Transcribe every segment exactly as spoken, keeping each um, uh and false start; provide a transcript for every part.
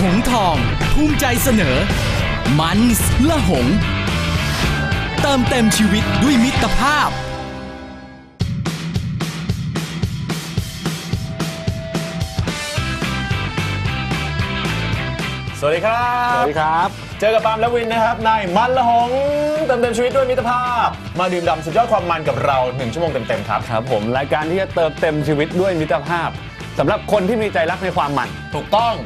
งทองภูมิใจเสนอมันส์ละหงเติมเต็มชีวิตด้วยมิตรภาพสวัสดีครับสวัสดีครับเจอกับปาล์มและวินนะครับในมันละหงเติมเต็มชีวิตด้วยมิตรภาพมาดื่มด่ำสุดยอดความมันกับเราหนึ่งชั่วโมงเต็มๆครับครับผมรายการที่จะเติมเต็มชีวิตด้วยมิตรภาพสำหรับคนที่มีใจรักในความมันถูกต้อง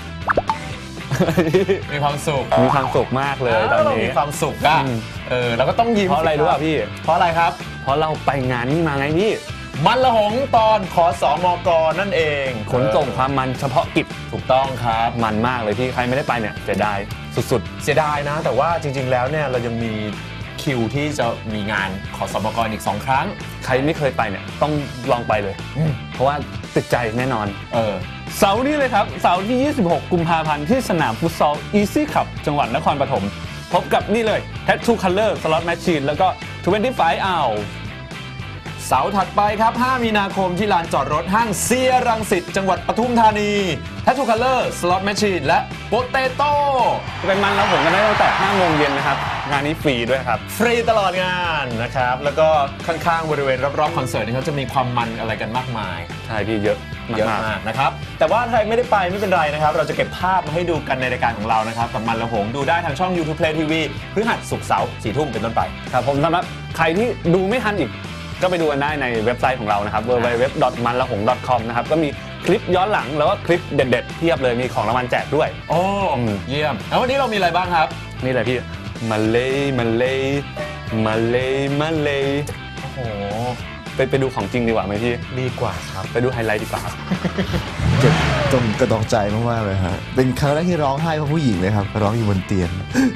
มีความสุขมีความสุขมากเลยตอนนี้มีความสุขอะเออเราก็ต้องยิ้มเพราะอะไรรู้ป่ะพี่เพราะอะไรครับเพราะเราไปงานนี้มาไงพี่มันละหงตอนขสมกนั่นเองขนส่งความมันเฉพาะกิจถูกต้องครับมันมากเลยพี่ใครไม่ได้ไปเนี่ยเสียดายสุดๆเสียดายนะแต่ว่าจริงๆแล้วเนี่ยเรายังมีคิวที่จะมีงานขสมกอีกสองครั้งใครไม่เคยไปเนี่ยต้องลองไปเลยเพราะว่าติดใจแน่นอนเออเสาร์นี้เลยครับเสาร์ที่ยี่สิบหกกุมภาพันธ์ที่สนามฟุตซอล Easy Cup จังหวัดนครปฐมพบกับนี่เลย Tattoo Color Slot Machine แล้วก็ยี่สิบห้า Hours เสาร์ถัดไปครับห้ามีนาคมที่ลานจอดรถห้างเซียรังสิตจังหวัดปทุมธานี Tattoo Color Slot Machine และ Potato เป็นมันแล้วผมกันได้ตั้งแต่ห้าโมงเย็นนะครับงานนี้ฟรีด้วยครับฟรีตลอดงานนะครับแล้วก็ข้างๆบริเวณรอบๆคอนเสิร์ตนี่เขาจะมีความมันอะไรกันมากมายใช่พี่เยอะเยอะมากนะครับแต่ว่าใครไม่ได้ไปไม่เป็นไรนะครับเราจะเก็บภาพมาให้ดูกันในรายการของเรานะครับกับมันละหงดูได้ทางช่อง YouTube Play ที วี พฤหัสศุกร์เสาร์สี่ทุ่มเป็นต้นไปครับผมสำหรับใครที่ดูไม่ทันอีกก็ไปดูกันได้ในเว็บไซต์ของเรานะครับ ดับเบิลยู ดับเบิลยู ดับเบิลยู ดอท มันละหง ดอท คอม นะครับก็มีคลิปย้อนหลังแล้วก็คลิปเด็ดๆเทียบเลยมีของรางวัลแจกด้วยโอ้เยี่ยมแล้ววันนี้เรามีอะไรบ้างครับนี่เลยพี่มาเลยมาเลยมาเลยมาเลยโอ้โหไปไปดูของจริงดีกว่าไหมพี่ดีกว่าครับไปดูไฮไลท์ดีกว่าครับเจ็บตรงกระดองใจมากๆเลยฮะเป็นครั้งแรกที่ร้องไห้เพราะผู้หญิงเลยครับร้องอยู่บนเตียง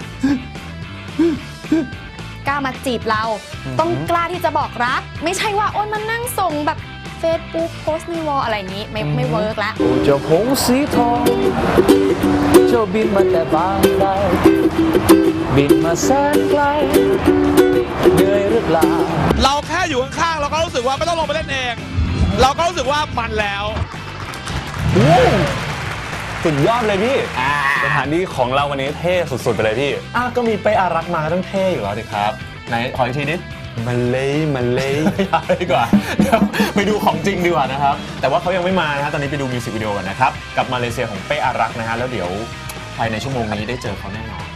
กล้ามาจีบเราต้องกล้าที่จะบอกรักไม่ใช่ว่าโอนมานั่งส่งแบบเฟซบุ๊กโพสต์ในวอลอะไรอย่างนี้ไม่ไม่เวิร์กละเจ้าหงส์สีทองเจ้าบินมาแต่บางไกลบินมาแสนไกลเหนื่อยหรือเปล่าเราแค่อยู่ข้างๆเราก็รู้สึกว่าไม่ต้องลงไปเล่นเองเราก็รู้สึกว่ามันแล้วสุดยอดเลยพี่สถานที่ของเราวันนี้เท่สุดๆไปเลยพี่อ้าก็มีไปอารักมาต้องเท่อยู่แล้วดิครับไหนขออีกทีนิดมาเลยมาเลยดีกว่าเดี๋ยวไปดูของจริงดีกว่านะครับแต่ว่าเขายังไม่มานะฮะตอนนี้ไปดูมิวสิกวิดีโอกันนะครับกับมาเลเซียของเป้อารักนะฮะแล้วเดี๋ยวภายในชั่วโมงนี้ได้เจอเขาแน่นอน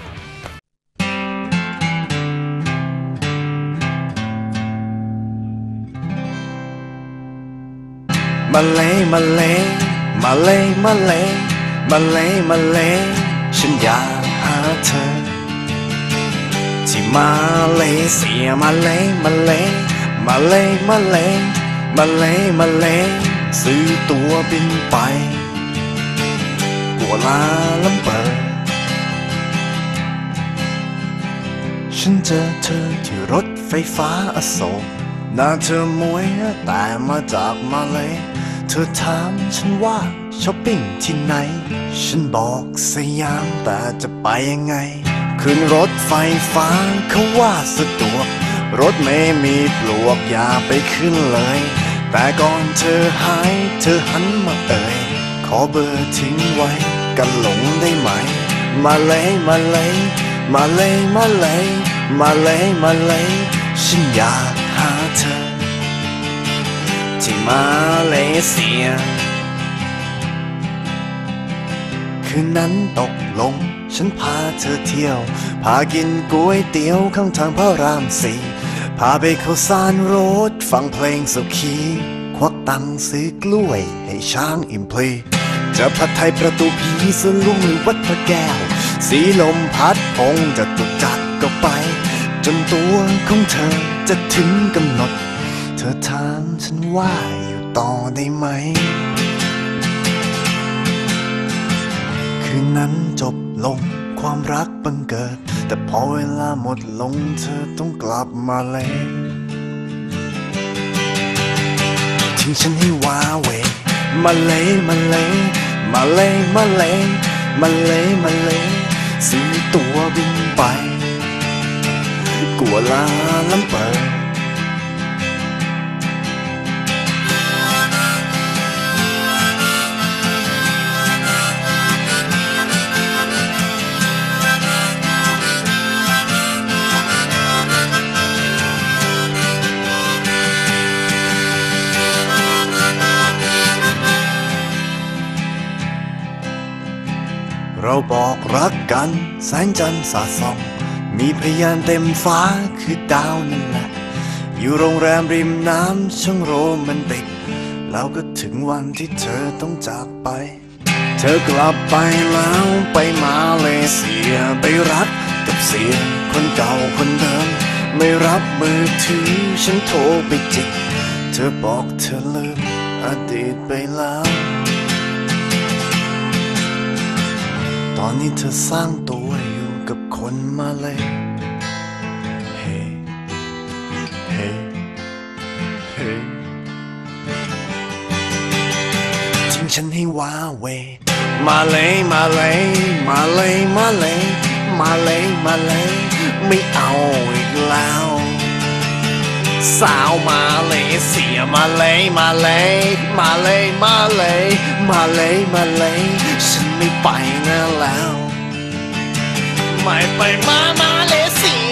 มาเลยมาเลยมาเลยมาเลยมาเลยมาเลยฉันอยากหาเธอที่มาเลเซียมาเลยมาเลยมาเลยมาเลยมาเลยมาเลยซื้อตั๋วบินไปกัวลาลัมเปอร์ฉันเจอเธอที่รถไฟฟ้าอโศกหน้าเธอมวยแต่มาจากมาเลยเธอถามฉันว่าช้อปปิ้งที่ไหนฉันบอกสยามแต่จะไปยังไงขึ้นรถไฟฟ้าเขาว่าสะดวกรถไม่มีปลวกอย่าไปขึ้นเลยแต่ก่อนเธอหายเธอหันมาเอ่ยขอเบอร์ทิ้งไว้กันหลงได้ไหมมาเลยมาเลยมาเลยมาเลยมาเลยมาเลยฉันอยากหาเธอที่มาเลเซียคืนนั้นตกลงฉันพาเธอเที่ยวพากินก๋วยเตี๋ยวข้างทางพระรามสี่พาไปเข้าสารรถฟังเพลงสุขีควักตังค์ซื้อกล้วยให้ช้างอิ่มเพลจะผัดไทยประตูผีสลุงหรือวัดพระแก้วสีลมพัดพงจะตุกจักก็ไปจนตัวของเธอจะถึงกำหนดเธอถามฉันว่าอยู่ต่อได้ไหมคืนนั้นจบลงความรักบังเกิดแต่พอเวลาหมดลงเธอต้องกลับมาเลยทิ้งฉันให้ว้าเหวมาเลยมาเลยมาเลยมาเลยมาเลยมาเลยซื้อตั๋วบินไปกัวลาลัมเปอร์เราบอกรักกันแสงจันทร์สาดส่องมีพยานเต็มฟ้าคือดาวนั่นแหละอยู่โรงแรมริมน้ำช่างโรแมนติกแล้วก็ถึงวันที่เธอต้องจากไปเธอกลับไปแล้วไปมาเลเซียไปรักกับเสียคนเก่าคนเดิมไม่รับมือถือฉันโทรไปจิกเธอบอกเธอลืมอดีตไปแล้วตอนนี้เธอสร้างตัวอยู่กับคนมาเลยเฮ้เฮ้เฮ้ทิ้งฉันให้ว้าเวมาเลยมาเลยมาเลยมาเลยมาเลยมาเลยไม่เอาอีกแล้วสาวมาเลยเสียมาเลยมาเลยมาเลยมาเลยมาเลยมาเลยฉันไม่ไปนะแล้วไม่ไปมามาเลยเสีย